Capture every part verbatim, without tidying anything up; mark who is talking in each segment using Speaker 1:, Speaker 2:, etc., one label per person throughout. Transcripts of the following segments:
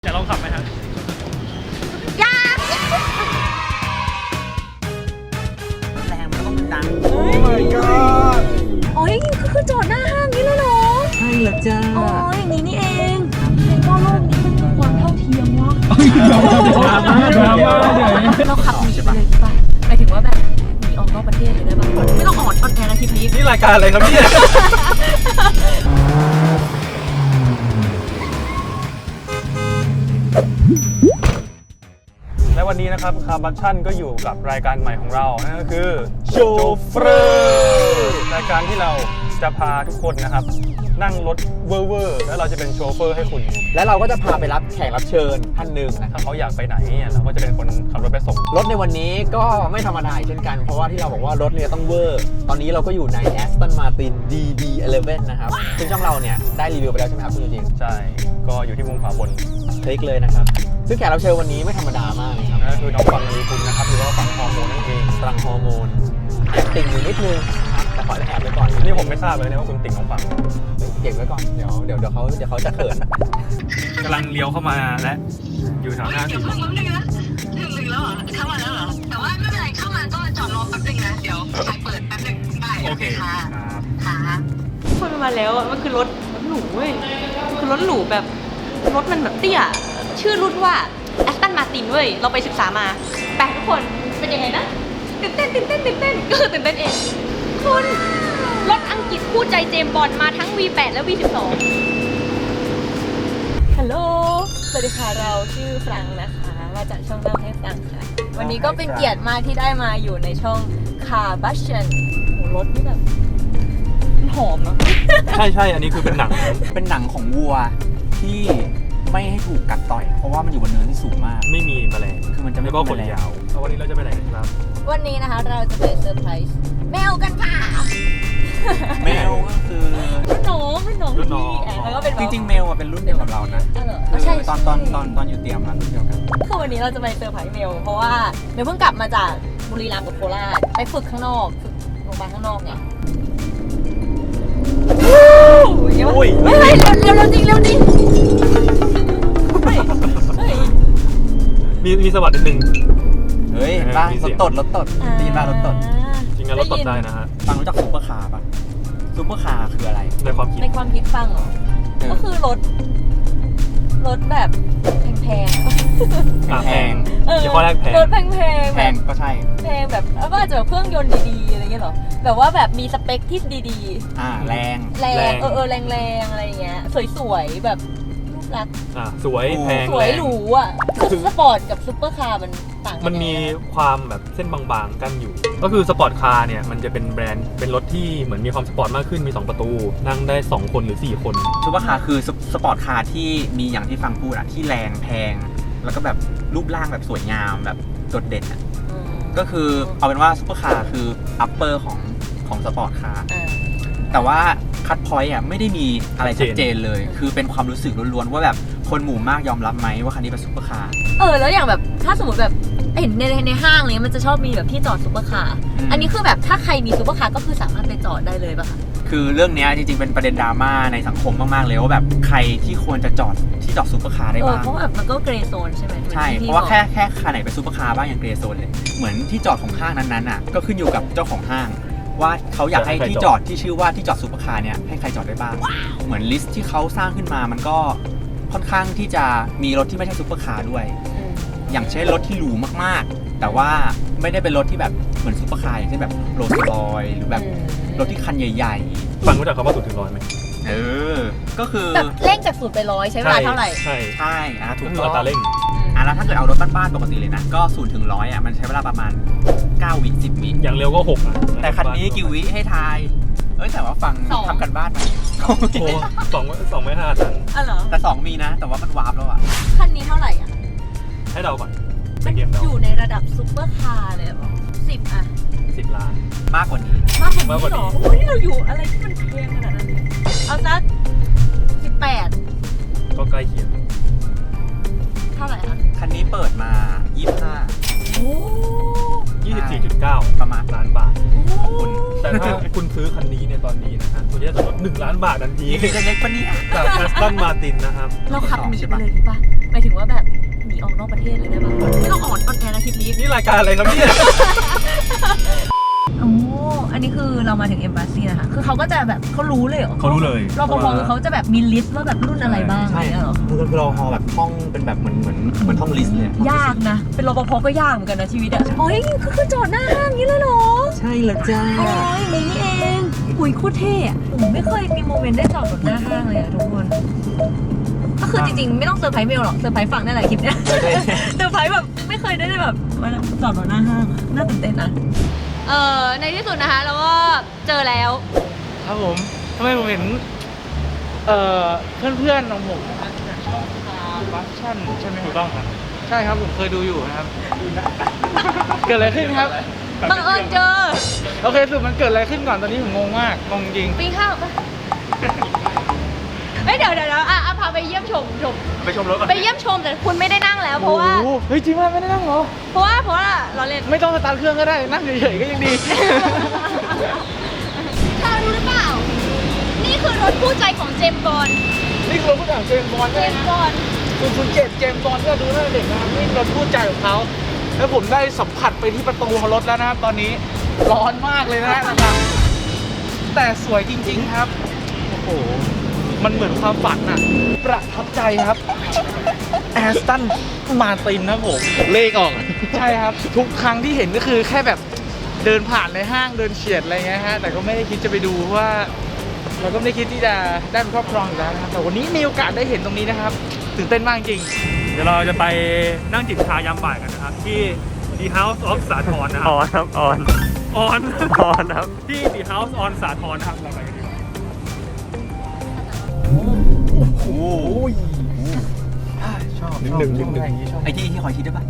Speaker 1: อยากลองขับไหมครับ
Speaker 2: อยากแรงมันต้องดังโอ้ my god
Speaker 3: โอ้ยก็คือจอดหน้าห้างนี้เลยเหรอ
Speaker 2: ใช่เหรอจ้า
Speaker 3: อ๋ออย่างนี้นี่เองเห็นว่าโลกนี้มันมีความเท่าเทียมวะเราขับหนีไปเลยดีป่ะหมายถึงว่าแบบหนีออกนอกประเทศเลยได้ป่ะไม่ต้องออกออนแอร์นะทริปนี้
Speaker 1: นี่รายการอะไรครับเนี่ยและวันนี้นะครับคาร์บัชชั่นก็อยู่กับรายการใหม่ของเรานั่นก็คือโชเฟอร์รายการที่เราจะพาทุกคนนะครับนั่งรถเวอร์ๆแล้วเราจะเป็นโชเฟอร์ให้คุณ
Speaker 2: และเราก็จะพาไปรับแขกรับเชิญท่านหนึ่งนะครั
Speaker 1: ถ้า
Speaker 2: บ
Speaker 1: เขาอยากไปไหนเนี่ยเราก็จะเป็นคนขับรถไปส่ง
Speaker 2: รถในวันนี้ก็ไม่ธรรมดาเช่นกันเพราะว่าที่เราบอกว่ารถเนี่ยต้องเวอร์ตอนนี้เราก็อยู่ใน Aston Martin ดี บี สิบเอ็ด นะครับซึ่งช่องเราเนี่ยได้รีวิวไปแล้วใช่ไหมครับคุณจริง
Speaker 1: ใช่ก็อยู่ที่มุมขวาบน
Speaker 2: คลิกเลยนะครับซึ่งแขกรับเชิญวันนี้ไม่ธรรมดามากเลยครับ
Speaker 1: นั่นคือน้องฟังนารีคุณนะครับหรือว่าฟังฮอร์โมนนั่นเอง
Speaker 2: ฟังฮอร์โมนแอบติ่งอยู่นิดนึงนะครับแต่ขอแอบไว้ก่อน
Speaker 1: นี่ผมไม่ทราบเลยนะว่าคุณติ่งน้องฟัง
Speaker 2: เก็บไว้ก่อนเดี๋ยวเดี๋ยวเดี๋ยวเขาเดี๋ยวเขาจะเขิน
Speaker 1: กำลังเลี้ยวเข้ามาและอยู่แถวหน้าสิ
Speaker 4: ถึงถึงแล้วเหรอเข้ามาแล้วเหรอแต่ว่าไม่เป็นไรเข้ามาก็จอดรอแป๊บนึงนะเดี๋ยวไปเปิดแป๊บนึงได้โอเคค่ะค่ะ
Speaker 3: คนมันมาแล้วอ่ะมันคือรถรถหรูเว้ยมันคือรถหรูแบบรถมันแบบเตี้ยชื่อรุ่นว่า Aston Martin เว้ยเราไปศึกษามาแปลทุกคนเป็นยังไงนะตื่นเต้นตื่นเต้นตื่นเต้นก็ตื่นเต้นเองคุณรถอังกฤษคู่ใจเจมส์บอนด์มาทั้ง วี แปด และ วี สิบสอง ฮัลโหลสวัสดีค่ะเราชื่อฟรังนะคะมาจากช่องเล่าให้ฟังค่ะวันนี้ก็เป็นเกียรติมากที่ได้มาอยู่ในช่อง Car Passion โหรถนี่แบบมันหอมเนาะ
Speaker 1: ใช่ใช่อันนี้คือเป็นหนัง
Speaker 2: เป็นหนังของวัวที่ไม่ให้ถูกกัดต่อยเพราะว่ามันอยู่บนเนินที่สูงมาก
Speaker 1: ไม่มีแมลง
Speaker 2: คือมันจะไม่
Speaker 1: ก็ขนยาววันนี้เราจะไปไหนครับ
Speaker 3: วันนี้นะคะเราจะไปเซอร์ไพรส์แมวกันค่ะ
Speaker 2: แมวก็คือ
Speaker 3: รุ่นน้องรุ่นน้องรุ่นน้องแล้วก็เป็น
Speaker 2: จริงๆแมวเป็นรุ่นเดียวกับเรานะ
Speaker 3: ใช่
Speaker 2: ตอนตอนตอนตอนอยู่เตรียมมารุ่นเดียวกัน
Speaker 3: คือวันนี้เราจะไปเซอร์ไพรส์เมลเพราะว่าเมลเพิ่งกลับมาจากบุรีรัมย์กับโคราชไปฝึกข้างนอกฝึกโรงพยาบาลข้างนอกไงโอ้ยเฮ้ยเร็วเร็วเร็วจริงเร็วจริง
Speaker 1: มีมีสวัสดิ์นิดนึง
Speaker 2: เฮ้ยบ้ารถตดรถตดดีมากรถตด
Speaker 1: จริงๆรถตดได้นะฮะ
Speaker 2: ฟังรู้จักซุปเปอร์คาร์ป่ะซุปเปอร์คาร์คืออะไร
Speaker 1: ในความคิด
Speaker 3: ในความคิดฟังเหรอก็คือรถรถแบบแพง
Speaker 1: ๆแพงเฉพาะแรกแพง
Speaker 3: รถแพงแพง
Speaker 2: แพงก็ใช่
Speaker 3: แพงแบบว่าอาจจะแบบเครื่องยนต์ดีๆอะไรเงี้ยหรอแบบว่าแบบมีสเปคที่ดี
Speaker 2: ๆอ่าแรง
Speaker 3: แรงเออเออแรงแรงอะไรเงี้ยสวยๆแบบรูปลักษณ์
Speaker 1: อ่าสวยแพง
Speaker 3: สวยหรูอ่ะคือสปอร์ตกับซุปเปอร์คาร์มันต่างกัน
Speaker 1: มันมีความแบบเส้นบางๆกันอยู่ก็คือสปอร์ตคาร์เนี่ยมันจะเป็นแบรนด์เป็นรถที่เหมือนมีความสปอร์ตมากขึ้นมีสองประตูนั่งได้สองคนหรือสี่คน
Speaker 2: ซุปเปอร์คาร์คือสปอร์ตคาร์ที่มีอย่างที่ฟังพูดอะที่แรงแพงแล้วก็แบบรูปร่างแบบสวยงามแบบโดดเด่นอะก็คือเอาเป็นว่าซุปเปอร์คาร์คืออัปเปอร์ของของสปอร์ตคาร์แต่ว่าคัทพอยต์อ่ะไม่ได้มีอะไรชัดเจนเลยคือเป็นความรู้สึกล้วนๆว่าแบบคนหมู่มากยอมรับไหมว่าคันนี้เป็นซุปเปอร์คาร์
Speaker 3: เออแล้วอย่างแบบถ้าสมมติแบบเห็นในในห้างเลยมันจะชอบมีแบบที่จอดซุปเปอร์คาร์อันนี้คือแบบถ้าใครมีซุปเปอร์คาร์ก็คือสามารถไปจอดได้เลยป่ะคะ
Speaker 2: คือเรื่องนี้จริงๆเป็นประเด็นดราม่าในสังคมมากๆเลยว่าแบบใครที่ควรจะจอดที่จอดซุปเปอร์คาร์ได้บ้าง
Speaker 3: เพราะแบบมันก็เกรย์โซนใช่ไหม
Speaker 2: ใช่เพราะว่าแค่แค่คันไหนเป็นซุปเปอร์คาร์บ้างอย่างเกรย์โซนเลยเหมือนที่จอดของห้างนั้นๆอ่ะก็ขึ้นอยู่กับเจ้าของห้างว่าเขาอยากให้ที่จอดที่ชื่อว่าที่จอดซุปเปอร์คาร์เนี่ยให้ใครจอดได้บ้างเหมือนลิสต์ที่เขาสร้างขึ้นมามันก็ค่อนข้างที่จะมีรถที่ไม่ใช่ซุปเปอร์คาร์ด้วยอย่างเช่นรถที่หรูมากๆแต่ว่าไม่ได้เป็นรถที่แบบเหมือนซุปเปอร์คาร์อย่างเช่นแบบโรลส์รอยซ์หรือแบบรถที่คันใหญ่
Speaker 1: ๆฟังรู้จักคำว่าศูนย์ถึงร้อยไหม
Speaker 2: เออก็คือ
Speaker 3: แบบเร่งจากศูนย์ไปร้อยใช้เวลาเท่าไหร่
Speaker 1: ใช่
Speaker 2: ใช่อ่ะถูก
Speaker 1: ต้องอัตราเร่ง
Speaker 2: อ่ะแล้วถ้าเกิดเอารถบ้านๆปกติเลยนะก็ศูนย์ถึงร้อยอ่ะมันใช้เวลาประมาณเก้าวิสิบวิ
Speaker 1: อย่างเร็วก็หกอ่ะ
Speaker 2: แต่คันนี้กี่วิให้ทายเอ้ยแต่ว่าฟังทำกันบ้านมา
Speaker 1: โอ้สองสองไม่ห้าตัน
Speaker 3: อ๋อเหรอ
Speaker 2: แต่สองมีนะแต่ว่ามันวาร์ปแล้วอ่ะ
Speaker 3: คันนี้เท่าไหร่อ่ะ
Speaker 1: ให้เดาก่อน
Speaker 3: มันอยู่ในระดับซุปเปอร์คาร์เลยหรอสิบอ่ะ
Speaker 1: สิบล้าน
Speaker 2: มากกว่านี้
Speaker 3: มากกว่านี้หรอโอ้ยเราอยู่อะไรที่มันแพงขนาดนั้นเอาสักสิบแปด
Speaker 1: ก็ใกล้เคียง
Speaker 3: เท่าไหร่อ่ะ
Speaker 2: คันนี้เปิดมายี่สิบห้า
Speaker 3: โอ้
Speaker 1: ยี่สิบสี่จุดเก้า
Speaker 2: ประมาณ
Speaker 1: ล้านบาท
Speaker 2: ขอบคุณ
Speaker 1: แต่แต่ถ้าคุณซื้อคันนี้ในตอนนี้นะฮะคุณจะได้ส่วนลดหนึ่งล้านบาททันที
Speaker 2: เล็กๆปะเนี่ย
Speaker 1: จากแอสตันมาตินนะครับ
Speaker 3: เราขับหนีไปเลยดีป่ะหมายถึงว่าแบบหนีออกนอกประเทศเลยได้ป่ะไม่ต้องออนออนแอร์นะคลิปนี้
Speaker 1: นี่รายการอะไรครับเนี่ย
Speaker 3: โอ้อันนี้คือเรามาถึงเอมบาซีนะคะคือเขาก็จะแบบเขารู้เลยเหรอ
Speaker 1: เขารู้เลย
Speaker 3: รปภคือเขาจะแบบมีลิสต์ว่าแบบรุ่นอะไรบ้างอะไร
Speaker 2: ใช่
Speaker 3: เงี้ยเหรอ
Speaker 2: คือเราฮอแบบท่องเป็นแบบเหมือนเหมือนเหมือนท่องลิสต์เลย
Speaker 3: ยากนะ เป็นรปภก็ยากเหมือนกันนะชีวิตอะโอ้ยคือคือจอดหน้าห้างนี้เลยเหรอ
Speaker 2: ใช่แล้วจ้า
Speaker 3: โอ้ยอย่างนี้นี่เองหุยโคตรเท่อะผมไม่เคยมีโมเมนต์ได้จอดรถหน้าห้างเลยอะทุกคน ก็คือจริงๆ ไม่ต้องเซอร์ไพรส์เมลหรอก เซอร์ไพรส์ฝั่งได้หลายคลิปเนี่ย เซอร์ไพรส์แบบไม่เคยได้แบบมาจอดรถหน้าห้างอะน่าตื่นเต้นนะ เออในที่สุดนะคะเราก็เจอแล้ว
Speaker 5: ครับผมทำไมผมเห็น เอ่อ เพื่อนๆของผมนะจากช่องคาร์บัสชั่นใช่ไหมถูกต้องครับ ใช่ครับผมเคยดูอยู่นะครับ เกิดอะไรขึ้นครับ
Speaker 3: บังเอิญเจอ
Speaker 5: โอเคสรุดมันเกิดอะไรขึ้นก่อนตอนนี้ผมงงมากงงจริง
Speaker 3: ปีข้าวปะเฮ้ยเดี๋ยวเดี๋ยวเดี๋ยวอ่ะอ่ะพาไปเยี่ยมชมชม
Speaker 2: ไปชมรถก่อน
Speaker 3: ไปเยี่ยมชมแต่คุณไม่ได้นั่งแล้วเพราะว่า
Speaker 5: โอ้โหเฮ้ยจริงว่าไม่ได้นั่งเหรอ
Speaker 3: เพราะว่าเพราะว่าเราเล่น
Speaker 5: ไม่ต้องสตาร์ทเครื่องก็ได้นั่งเฉยๆก็ยังดี
Speaker 3: เธอรู้หรือเปล่า นี่คือรถคู่ใจของเจมส์บอนด์
Speaker 5: นี่คือรถผู้จัดเจมส์บอล
Speaker 3: เจ
Speaker 5: ใช่ไห
Speaker 3: ม
Speaker 5: ม
Speaker 3: ส์บอนด์
Speaker 5: คุณคุณเจ็ดเจมส์บอลก็ดูตั้งแต่เด็กนะครับนี่รถคู่ใจของเขาแล้วผมได้สัมผัสไปที่ประตูของรถแล้วนะครับตอนนี้ร้อนมากเลยนะนะครับ แต่สวยจริงๆครับ โอ้โห มันเหมือนความฝันอะประทับใจครับแอสตันมาตินครับผมเลขออก ใช่ครับ ทุกครั้งที่เห็นก็คือแค่แบบเดินผ่านในห้างเดินเฉียดอะไรเงี้ยฮะแต่ก็ไม่ได้คิดจะไปดูเพราะว่าเราก็ไม่ได้คิดที่จะได้เป็นครอบครองอยู่แล้วนะครับแต่วันนี้มีโอกาสได้เห็นตรงนี้นะครับตื่นเต้นมากจริง
Speaker 1: เดี๋ยวเราจะไปนั่งจิบชายามบ่ายกันนะครับ ที่ The House of สาทรนะครับออนครับออนออนออนครับที่ The House on สาทรนะครับเราไปกันดีกว่า
Speaker 2: โอ้ย
Speaker 5: ชอบ
Speaker 1: หนึ่งหนึ่งหนึ่งหนึ่ง
Speaker 2: ไอ้ที่ที่คอยคิดได้ปะ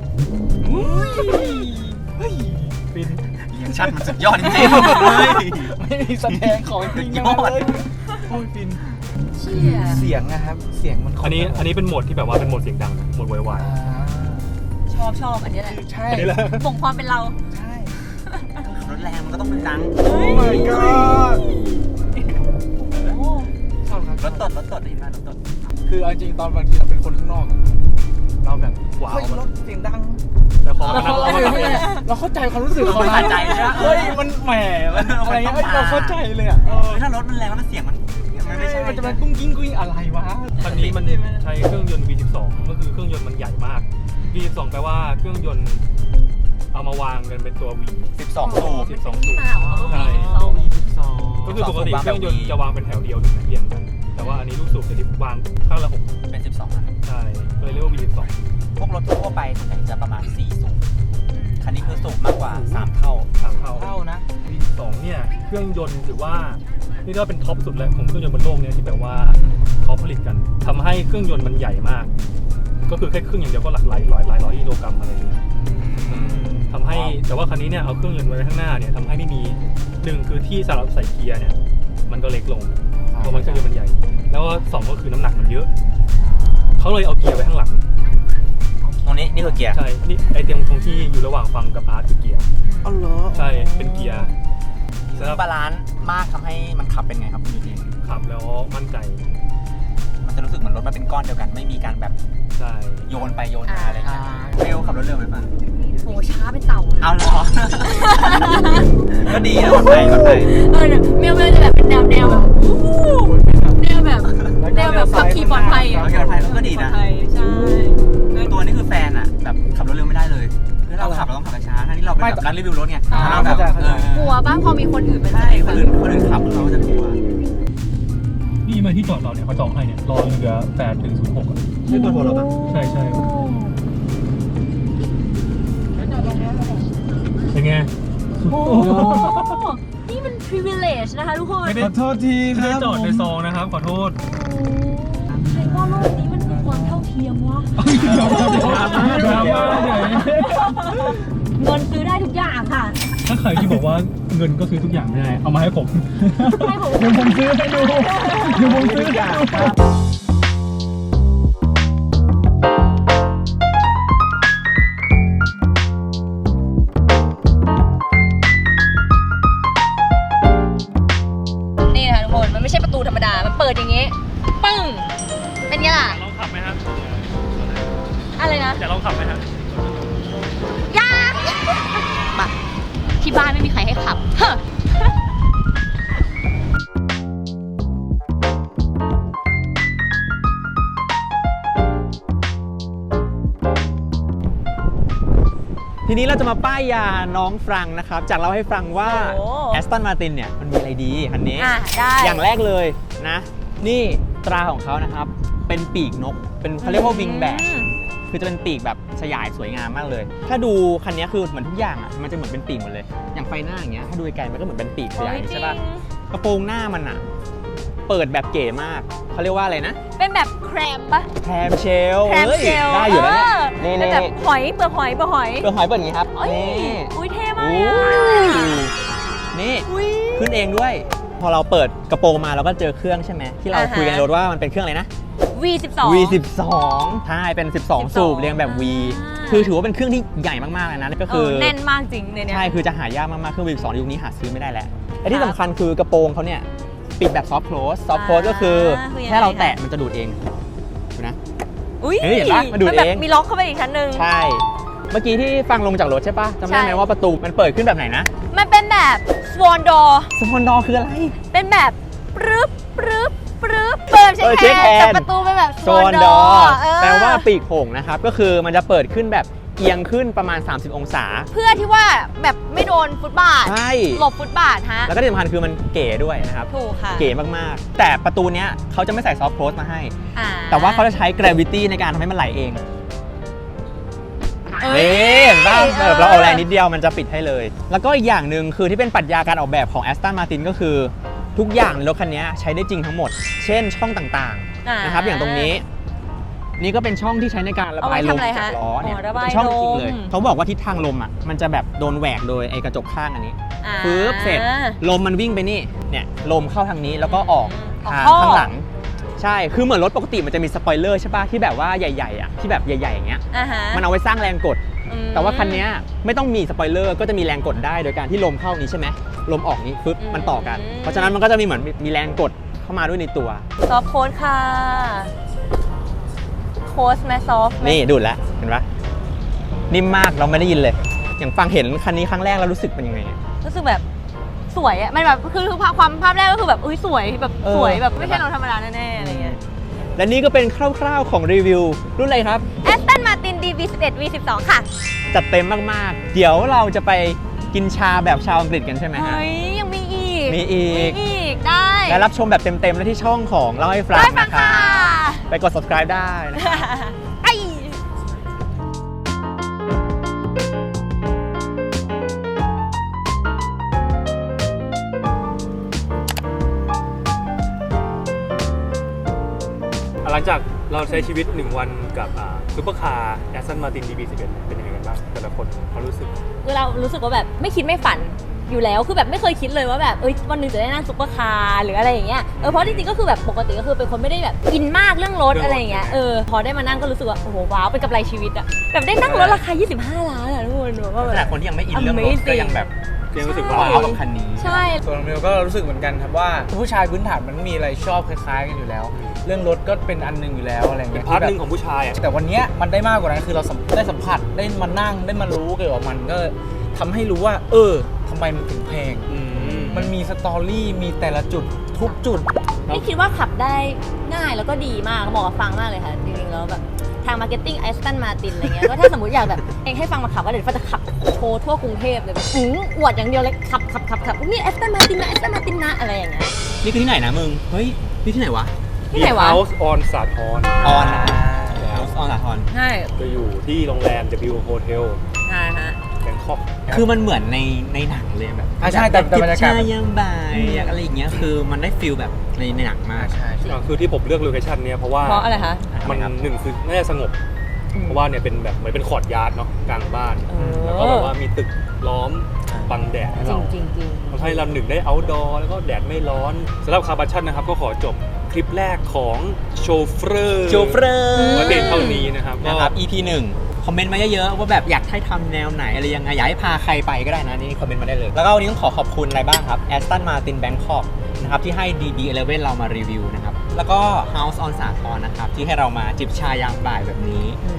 Speaker 1: ฟิน
Speaker 2: เรียงชั่นมันสุดยอดจริงๆเลย
Speaker 5: ไม่มีแสดงของจริง
Speaker 2: ย
Speaker 5: นะ
Speaker 2: อด
Speaker 5: เลย
Speaker 1: โอ้ยฟิน
Speaker 3: เชี่ย
Speaker 5: เสียงนะครับเสียงมัน
Speaker 1: อันนี้อันนี้เป็นโหมดที่แบบว่าเป็นโหมดเสียงดังนะโหมดไวไว
Speaker 5: อ่า
Speaker 3: ชอบชอบอันนี้แหละ
Speaker 5: ใช่
Speaker 1: อันนี้แหละ
Speaker 3: บ่งความเป็นเรา
Speaker 5: ใช่
Speaker 2: รถแรงมันก็ต้องเป็นดัง
Speaker 5: โอ้ my god
Speaker 3: โอ้
Speaker 5: ชอบครับ
Speaker 2: รถตดรถตดได้ยินไหมรถตด
Speaker 5: คือเอาจริงตอนบางทีเราเป็นคนข้างนอกอะเราแบบ
Speaker 1: ว้าว
Speaker 5: เฮ้ยรถเสียงดัง
Speaker 1: แต่พอ
Speaker 5: เรา
Speaker 1: มานั่ง
Speaker 5: เข้า
Speaker 1: เรามานั่ง
Speaker 5: เราเข้าใจความรู้สึกของ
Speaker 2: เข้าใจใช่ไหม
Speaker 5: เฮ้ยมันแหมมันอะไรเงี้ย
Speaker 2: มันต้องมา
Speaker 5: เราเข้าใจเลยอ่ะเออ
Speaker 2: ถ้ารถมันแรงแล้วมันเสียงมันมันไม่ใช่
Speaker 5: มันจะเป็นกุ้งกิ้งกุ้งอะไรวะ
Speaker 1: คันนี้มันใช้เครื่องยนต์ วี สิบสอง ก็คือเครื่องยนต์มันใหญ่มาก วี สิบสอง แปลว่าเครื่องยนต์เอามาวางกันเป็นตัว V
Speaker 2: สิบสองสูบ
Speaker 1: สิบสองสูบ
Speaker 3: มาของเขา
Speaker 1: ใช่
Speaker 5: วี
Speaker 1: ก็คือปกติ
Speaker 2: วาง
Speaker 1: เค
Speaker 2: แบบ
Speaker 1: รื่องยนต์
Speaker 2: V
Speaker 1: จะวางเป็นแถวเดียวหนึ่งนะเรียงกัน แต่ว่าอันนี้ลูกสูบจะวางข้างละหก
Speaker 2: เป็นสิบสองอัน
Speaker 1: ใช่ก็เลยเรียกว่า วี สิบสอง
Speaker 2: พวกรถทั่วไปส่วนใหญ่จะประมาณสี่สูบคันนี้คือสูบมากกว่าสามเท่า
Speaker 1: สามเท่า
Speaker 5: เท่านะ
Speaker 1: วี สิบสอง เนี่ยเครื่องยนต์ถือว่านี่ก็เป็นท็อปสุดแล้วของเครื่องยนต์บนโลกเนี่ยที่แบบว่าเขาผลิตกันทำให้เครื่องยนต์มันใหญ่มาก ก็คือแค่เครื่องอย่างเดียวก็หลักหลายร้อยหลายร้อยกิโลกรัมอะไรอย่างเงี้ยทำให้แต่ว่าคันนี้เนี่ยเอาเครื่องยนต์ไว้ข้างหน้าเนี่ยทำให้ไม่มีหนึ่งคือที่สำหรับใส่เกียร์เนี่ยมันก็เล็กลงเพราะมันเครื่องยนต์มันใหญ่ แล้วก็สองก็คือน้ำหนักมันเยอะเขาเลยเอาเกียร์ไว้ข้างหลัง
Speaker 2: ตรงนี้นี่คือเกียร์
Speaker 1: ใช่นี่ไอเตียงตรงที่อยู่ระหว่างฟังกับอาร์ตคือเกียร์
Speaker 5: อ๋อเหรอ
Speaker 1: ใช่เป็นเกียร์
Speaker 2: ซึ่งบาลานซ์มากทำให้มันขับเป็นไงครับคุณยูที
Speaker 1: ขับแล้วมั่นใจ
Speaker 2: มันจะรู้สึกเหมือนรถมันเป็นก้อนเดียวกัน ไม่มีการแบบ
Speaker 1: ใช่
Speaker 2: โยนไปโยนมาอะไรเงี้ยเบลขับรถเร็วไหมฟัง
Speaker 3: โหช้าเป็นเต่าเลย
Speaker 2: เอาเหรอ ก็ดีนะคนไทยคนไทย
Speaker 3: เออเนี่ยเมลเมลจะแบบเป็นแนวแนวแบบอู้แนวแบบแนวแบบขับขี่ปลอดภัยอ่ะ
Speaker 2: ขับขี่ปลอดภัยแล้วก็ดีนะ
Speaker 3: ปลอภัยใช่
Speaker 2: ตัวนี้คือแฟนอ่ะแบบขับรถเร็วไม่ได้เลยคือเราขับเราต้องขับช้าๆทั้งที่เราเป็นแบบร้านรีวิวรถไงเราแบบเออก
Speaker 3: ลัวบ้างพอมีคนอื่นมา
Speaker 2: ใช่คนอื่นคนอื่นขับเราจะกลัว
Speaker 1: นี่มาที่จอดเราเนี่ยเขาจองให้เนี่ยรอเรือแปดถึงศูนย์หกอ่ะ
Speaker 2: นี่ตัวรถอ่ะ
Speaker 1: ใช่ใช่เป็นไงสุด
Speaker 3: โอ้
Speaker 1: โอ้โห
Speaker 3: นี่มัน privilege นะคะทุกคน
Speaker 1: ไม่ได้
Speaker 5: ขอโทษทีค
Speaker 1: ไม่
Speaker 5: รับ
Speaker 1: ได้จอดในซองนะครับ ขอโทษ
Speaker 3: ใครว่าโลกนี้มันมีความเท่าเทียมวะ
Speaker 1: ดราม่าดราม่าใหญ่
Speaker 3: เงินซื้อได้ทุกอย่างค่ะ
Speaker 1: ถ้าใครที่บอกว่าเงินก็ซื้อทุกอย่างไม่ได้ เอามาให้ผม
Speaker 3: ให้ผม
Speaker 1: เดี๋ยวผมซื้อให้ดูเดี๋ยวผมซื้อให้ดู
Speaker 3: นะ
Speaker 1: อยากลองขับไหมฮะ
Speaker 3: ยากมาที่บ้านไม่มีใครให้ขับเฮ้อ
Speaker 2: ทีนี้เราจะมาป้ายยาน้องฟรังนะครับ จากเราให้ฟังว่า
Speaker 3: โอ้
Speaker 2: แอสตันมาตินเนี่ยมันมีอะไรดีคันนี้
Speaker 3: อ่ะได้
Speaker 2: อย่างแรกเลยนะ นี่ตราของเขานะครับ เป็นปีกนก เป็นเขาเรียกว่าวิงแบก
Speaker 3: อืม
Speaker 2: คือจะเป็นปีกแบบสยายสวยงามมากเลย ถ้าดูคันนี้คือเหมือนทุกอย่างอ่ะ มันจะเหมือนเป็นปีกหมดเลย อย่างไฟหน้าอย่างเงี้ย ถ้าดูไกลๆมันก็เหมือนเป็นปีกสยายใช่ป่ะ กระโปรงหน้ามันอ่ะ เปิดแบบเก๋มาก เขาเรียกว่าอะไรนะ
Speaker 3: เป็นแบบแครมปะ
Speaker 2: แคมเชล
Speaker 3: แครม
Speaker 2: ฮ้ย
Speaker 3: เชล
Speaker 2: ได้อยู่แล้วเนี่ย
Speaker 3: เอ
Speaker 2: นี่
Speaker 3: อเป็น
Speaker 2: นี่
Speaker 3: แบบหอยเปลือกหอยเปลือกหอย
Speaker 2: เปลือกหอยเปิดอย่างงี้ครับ
Speaker 3: โอ้ย
Speaker 2: นี่
Speaker 3: อุ้ยเท่มาก
Speaker 2: โอ้
Speaker 3: เลยอะ
Speaker 2: นี่
Speaker 3: อุ้ย
Speaker 2: ขึ้นเองด้วย พอเราเปิดกระโปรงมาเราก็เจอเครื่องใช่ไหมที่เรา
Speaker 3: อ่าฮะ
Speaker 2: คุยกันในรถว่ามันเป็นเครื่องอะไรนะ
Speaker 3: วี สิบสอง
Speaker 2: วี สิบสองใช่เป็น สิบสอง สูบเรียงแบบ V
Speaker 3: อ่า
Speaker 2: คือถือว่าเป็นเครื่องที่ใหญ่มากๆเลยนะก็
Speaker 3: เอ
Speaker 2: คือ
Speaker 3: อแน่นมากจริงเนี่ย
Speaker 2: ใช่คือจะหายากมากๆเครื่อง วี สิบสอง ยุคนี้หาซื้อไม่ได้แล้วและที่สำคัญคือกระโปรงเขาเนี่ยปิดแบบซอฟต์โคลสซอฟต์โคลสก็คือแค่เราแตะมันจะดูดเองดูนะ
Speaker 3: อุ้ย
Speaker 2: เฮ้ยเห็นปะมันดูด
Speaker 3: แบบ
Speaker 2: เอง
Speaker 3: มีล็อกเข้าไปอีกชั้นหนึ่ง
Speaker 2: ใช่ เมื่อกี้ที่ฟังลงจากรถใช่ปะจำได้ไหม
Speaker 3: ใช่
Speaker 2: ว่าประตูมันเปิดขึ้นแบบไหนนะ
Speaker 3: มันเป็นแบบสวอนดอ
Speaker 2: สปอนดอร์คืออะไร
Speaker 3: เป็นแบบปรึ๊บปรึ๊บปรึ๊บเปิดเช็ค
Speaker 2: เออ
Speaker 3: แฮ
Speaker 2: เช็คแฮ
Speaker 3: น
Speaker 2: นด์
Speaker 3: ด์แต่ประตูเป็นแบบ
Speaker 2: โซ
Speaker 3: สวอน
Speaker 2: น
Speaker 3: ด
Speaker 2: ด
Speaker 3: อ
Speaker 2: อร์
Speaker 3: เออ
Speaker 2: แปลว่าปีกโผงนะครับ ก็คือมันจะเปิดขึ้นแบบเอียงขึ้นประมาณ สามสิบ องศา
Speaker 3: เพื่อที่ว่าแบบไม่โดนฟุตบาท
Speaker 2: ใช่
Speaker 3: หลบฟุตบาทฮะ
Speaker 2: แล้วก็ที่สำคัญคือมันเก๋ด้วยนะครับ
Speaker 3: ถูกค่ะ
Speaker 2: เก๋มากๆ แต่ประตูเนี้ยเขาจะไม่ใส่ซอฟต์โคลสมาให้
Speaker 3: อ่า
Speaker 2: แต่ว่าเขาจะใช้ gravity ในการทำให้มันไหลเอง
Speaker 3: เอ้
Speaker 2: นี่
Speaker 3: ย
Speaker 2: เห็นป่ะแบบเราเอาแรงนิดเดียวมันจะปิดให้เลย แล้วก็อีกอย่างหนึ่งคือที่เป็นปรัชญาการออกแบบของ Aston Martin ก็คือ ทุกอย่างในรถคันนี้ใช้ได้จริงทั้งหมด เช่นช่องต่างๆนะครับอย่างตรงนี้ นี่ก็เป็นช่องที่ใช้ในการระบายลมจากล้อเนี่ย
Speaker 3: ระบาย
Speaker 2: เป็นช่องจริง
Speaker 3: ล
Speaker 2: เลย
Speaker 3: ม
Speaker 2: เขาบอกว่าทิศทางลมอ่ะมันจะแบบโดนแหวกโดยไอ้กระจกข้างอันนี้
Speaker 3: อ่า
Speaker 2: ปึ๊บเสร็จลมมันวิ่งไปนี่เนี่ยลมเข้าทางนี้แล้วก็ออก
Speaker 3: ออก
Speaker 2: ทาง
Speaker 3: ท่อ
Speaker 2: ข้างหลัง ใช่คือเหมือนรถปกติมันจะมีสปอยเลอร์ใช่ป่ะที่แบบว่าใหญ่ๆอ่ะที่แบบใหญ่ๆอย่างเงี้ย
Speaker 3: อ่าฮะ
Speaker 2: มันเอาไว้สร้างแรงกด
Speaker 3: อืม
Speaker 2: แต่ว่าคันนี้ไม่ต้องมีสปอยเลอร์ก็จะมีแรงกดได้โดยการที่ลมเข้านี้ใช่ไหมลมออกนี้ปึ๊บ
Speaker 3: อืม
Speaker 2: มันต่อกัน เพราะฉะนั้นมันก็จะมีเหมือนมีแรงกดเข้ามาด้วยในตัว
Speaker 3: ซอฟต์โค้ดค่ะโค้ดแมซอฟต์
Speaker 2: นี่ดูดแล้วเห็นปะนิ่มมากเราไม่ได้ยินเลย อย่างฟังเห็นคันนี้ครั้งแรกแล้วรู้สึกเป็นยังไงอะ
Speaker 3: รู้สึกแบบสวยอะมันแบบคือคือความภาพแรกก็คือแบบอุ้ยสวยแบบ
Speaker 2: เออ
Speaker 3: สวยแบบไม่ใช่รถธรรมดาแน่ๆอะไรเงี้ย
Speaker 2: และนี่ก็เป็นคร่าวๆของรีวิวรุ่นอะไรครับ
Speaker 3: Aston Martin ดี วี สิบเอ็ด วี สิบสอง ค่ะ
Speaker 2: จัดเต็มมากๆ เดี๋ยวเราจะไปกินชาแบบชาวอังกฤษกันใช่ไหมฮะ
Speaker 3: เฮ้ย ยังมีอีก
Speaker 2: มีอีก
Speaker 3: มีอีก ได้
Speaker 2: และรับชมแบบเต็มๆและที่ช่องของเล่าให้ฟัง
Speaker 3: ได้ฟัง
Speaker 2: นะค
Speaker 3: ค่ะ
Speaker 2: รับไปกด subscribe ได้นะ
Speaker 3: ไอ้
Speaker 1: หลังจากเราใช้ชีวิตหนึ่งวันกับซุปเปอร์คาร์แอสตันมาติน ดี บี สิบเอ็ด เป็นยังไงกันบ้างแต่ละคนเขารู้สึก
Speaker 3: คือเรารู้สึกว่าแบบไม่คิดไม่ฝันอยู่แล้วคือแบบไม่เคยคิดเลยว่าแบบเอ้ยวันหนึงจะได้นั่งซุปเปอร์คาร์หรืออะไรอย่างเงี้ยเออเพราะจริงๆก็คือแบบปกติก็คือเป็นคนไม่ได้แบบอินมากเรื่องรถ
Speaker 1: เรื่องรถ
Speaker 3: อะไรอย่างเงี้ยเออพอได้มานั่งก็รู้สึกว่าโอ้โหว้าวเป็นกำไรชีวิตอะแบบได้นั่งรถราคายี่สิบห้าล้านอะทุกคนแบบว่าแบ
Speaker 2: ขนาด
Speaker 3: บ
Speaker 2: คนที่ยังไม่อินเรื่องรถ
Speaker 3: Amazing
Speaker 2: ก็ยังแบบ
Speaker 1: ยังรู้สึก
Speaker 3: ใช่
Speaker 1: ว่า
Speaker 2: ว้าวกับคันนี้
Speaker 3: ใช่
Speaker 5: ส่วนของเมลก็รู้สึกเหมือนกันครับว่าผู้ชายพื้นฐานมันมีอะไรชอบคล้ายๆกันอยู่แล้ว เรื่องรถก็เป็นอันหนึงอยู่แล้วอะไร
Speaker 1: เป็
Speaker 5: เงี้
Speaker 1: น
Speaker 5: ย
Speaker 1: พาร์ท
Speaker 5: ที่
Speaker 1: ห
Speaker 5: แบบ
Speaker 1: นึ่งของผู้ชายอ่ะ
Speaker 5: แต่วันเนี้ยมันได้มากกว่านั้นคือเราสัมได้สัมผัสได้มานั่งได้มารู้เกี่ยวกับมันก็ทำให้รู้ว่า เออทำไมมันถึงแพง
Speaker 1: อืม
Speaker 5: มันมีสตอรี่มีแต่ละจุดทุกจุด
Speaker 3: นี่คิดว่าขับได้ง่ายแล้วก็ดีมากเหมาะกับฟังมากเลยค่ะจริงๆแล้วแบบทางมาร์เก็ตติ้ง Aston Martin อะไรเงี้ยก็ถ้าสมมติอยากแบบเองให้ฟังมาขับว่าเดี๋ยวฟ้าจะขับโชว์ทั่วกรุงเทพเลยแบบหืมอวดอย่างเดียวเลยขับขับขับขับนี่ Aston Martin นะ Aston Martin นะอะไรอย่างเงี้ย
Speaker 2: นี่คือที่ไหนนะมึง เฮ้ย นี่ที่ไหนวะ
Speaker 3: ที่ไหนวะ
Speaker 1: House on สาทร
Speaker 2: ออนนะออนสาทร
Speaker 3: ใช่
Speaker 1: จะอยู่ที่โรงแรม W Hotel
Speaker 3: ใช่ฮะ
Speaker 1: แบงคอก
Speaker 2: คือมันเหมือนในในหนังเลยแบบ
Speaker 5: อ่ะใช่แต่แต่บรรยากาศ
Speaker 2: ชายามบ่ายอยากอะไรอย่างเงี้ยคือมันได้ฟิลแบบในในหนังมาก
Speaker 5: ใช่ใช่
Speaker 1: อ่าคือที่ผมเลือกโลเคชันเนี้ยเพราะว่า
Speaker 3: เพราะอะไรคะ
Speaker 1: มันหนึ่งคือน่าจะสงบ เพราะว่าเนี่ยเป็นแบบเหมือนเป็นคอร์ดยาร์ดเนาะกลางบ้าน
Speaker 3: เออ
Speaker 1: แล้วก็แบบว่ามีตึกล้อมบังแดดให้
Speaker 3: จริ
Speaker 1: เรา
Speaker 3: งจริงจริง
Speaker 1: ทำให้เราหนึ่งได้ outdoor แล้วก็แดดไม่ร้อนสำหรับคาร์บัชชันนะครับ ก็ขอจบคลิปแรกของโชเฟอร์
Speaker 2: โชเฟอร์
Speaker 1: ไว้เพียงเท่านี้นะครับก็
Speaker 2: นะครับ อี พี หนึ่งคอมเมนต์มาเยอะๆว่าแบบอยากให้ทำแนวไหนอะไรยังไงอยากให้พาใครไปก็ได้นะนี่คอมเมนต์มาได้เลย แล้วก็วันนี้ต้องขอขอบคุณอะไรบ้างครับ Aston Martin Bangkok นะครับที่ให้ ดี บี สิบเอ็ด เรามารีวิวนะครับแล้วก็ House on สาทรนะครับที่ให้เรามาจิบชายามบ่ายแบบนี้
Speaker 3: ดี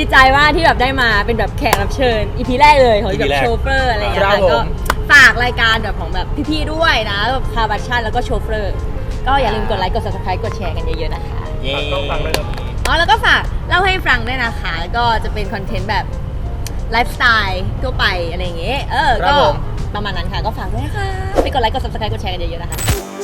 Speaker 6: ดีใจมากที่แบบได้มาเป็นแบบแขกรับเชิญ อี พี แรกเลยของแบบโชเฟอร์อะไรอย่างเงี้ย
Speaker 5: ครับ
Speaker 6: ค่ะ
Speaker 5: ผม
Speaker 6: ก็ฝากรายการแบบของแบบพี่ๆด้วยนะแบบคาบัชชันแล้วก็โชเฟอร์ก็อย่าลืมกดไลค์กด ซับสไครบ์ กดแชร์กันเยอะๆนะคะ
Speaker 2: เย้
Speaker 1: ต้องฟังเลยครับ
Speaker 6: อ๋อแล้วก็ฝากเล่าให้ฟังด้วยนะคะก็จะเป็นคอนเทนต์แบบไลฟ์สไตล์ทั่วไปอะไรอย่างเงี้ยเออ
Speaker 5: ครั
Speaker 6: ก็
Speaker 5: บผม
Speaker 6: ประมาณนั้นค่ะก็ฝากด้วยนะคะไปกดไลค์กด ซับสไครบ์ กดแชร์กันเยอะๆนะคะ